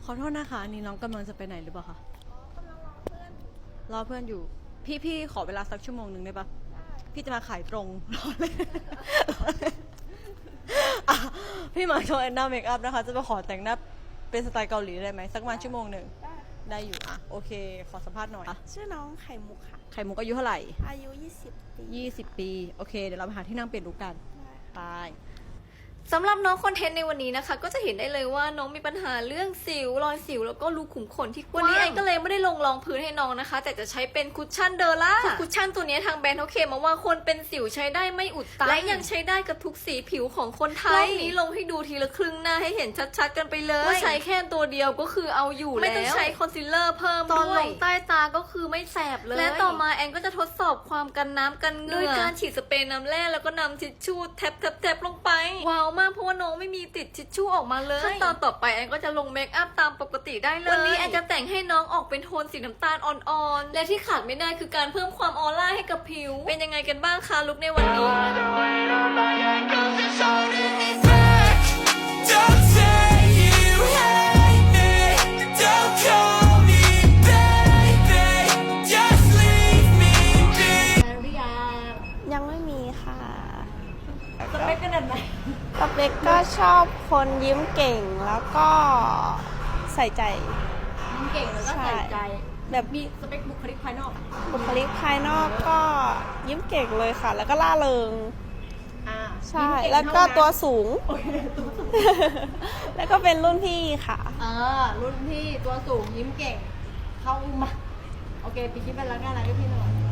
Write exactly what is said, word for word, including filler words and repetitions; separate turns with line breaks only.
ขอโทษนะคะอันนี่น้องกำลังจะไปไหนหรือเปล่าคะ
อ๋อกำลังรอเพื่อน
รอเพื่อนอยู่ พี่พี่ขอเวลาสักชั่วโมงหนึ่งได้ปะพี่จะมาขายตรง รอเลยอ่ะพี่มาโชว์แอนนาเมคอัพนะคะ จะมาขอแต่งหน้าเป็นสไตล์เกาหลีได้ไหมสักประมาณชั่วโมงหนึ่ง
ได้
ได้อยู่อ่ะโอเค ขอสัมภาษณ์หน่อยอ่ะ
ชื่อน้องไข่มุกค่ะ
ไข่มุกอายุเท่าไหร่
อายุ ยี่สิบ ปี
ยี่สิบปีโอเคเดี๋ยวเราไปหาที่นั่งเปลี่ยนลุคกัน
ได้
ไป
สำหรับน้องคอนเทนต์ในวันนี้นะคะ ก็จะเห็นได้เลยว่าน้องมีปัญหาเรื่องสิวรอยสิวแล้วก็รูขุมขนที่กว้างวันนี้แอนก็เลยไม่ได้ลงรองพื้นให้น้องนะคะ แต่จะใช้เป็นคุชชั่นเดอร่าคือคุชชั่นตัวนี้ทางแบรนด์เขาเคลมมาว่าคนเป็นสิวใช้ได้ไม่อุดตันและยังใช้ได้กับทุกสีผิวของคนไทยรอบนี้ลงให้ดูทีละครึ่งหน้าให้เห็นชัดๆกันไปเลยว่าใช้แค่ตัวเดียวก็คือเอาอยู่แล้วไม่ต้องใช้คอนซีลเลอร์เพิ่มด้วยตอนลงใต้ตาก็คือไม่แสบเลยและต่อมาแอนก็จะทดสอบความกันน้ำกันเหงื่อด้วยการฉีดสเปรย์น้ำแร่แล้วก็นำทิชชู่แทบๆๆลงไปว้าวมากเพราะว่าน้องไม่มีติดทิชชู่ออกมาเลยขั้นตอนต่อไปแอนก็จะลงเมคอัพตามปกติได้เลยวันนี้แอนจะแต่งให้น้องออกเป็นโทนสีน้ำตาลอ่อนๆและที่ขาดไม่ได้คือการเพิ่มความออร่าให้กับผิวเป็นยังไงกันบ้างคะลุคในวันนี้
Don't say you hate me. Don't call me baby. Just leave me be.
ยังไม่มีค่ะ
สเปคขนาดไหน
สเปกก็ชอบคนยิ้มเก่งแล้วก็ใส่ใจ
ยิ้มเก่งแล้วก็ใส่ใจ
แบบ
มีสเปคบุคลิกภายนอก
บุคลิกภายนอกก็ยิ้มเก่งเลยค่ะ แล้วก็ล่าเริง
อ่า
ใช่
ยิ้มเก่ง
แล้วก็
เท่านั้น
ตัวสูง
โอเคตัวสูง
แล้วก็เป็นรุ่นพี่ค่ะ
อ่ารุ่นพี่ตัวสูงยิ้มเก่ง เข้ามาโอเคปีคิดเป็นแล้วกันนะพี่หน่อย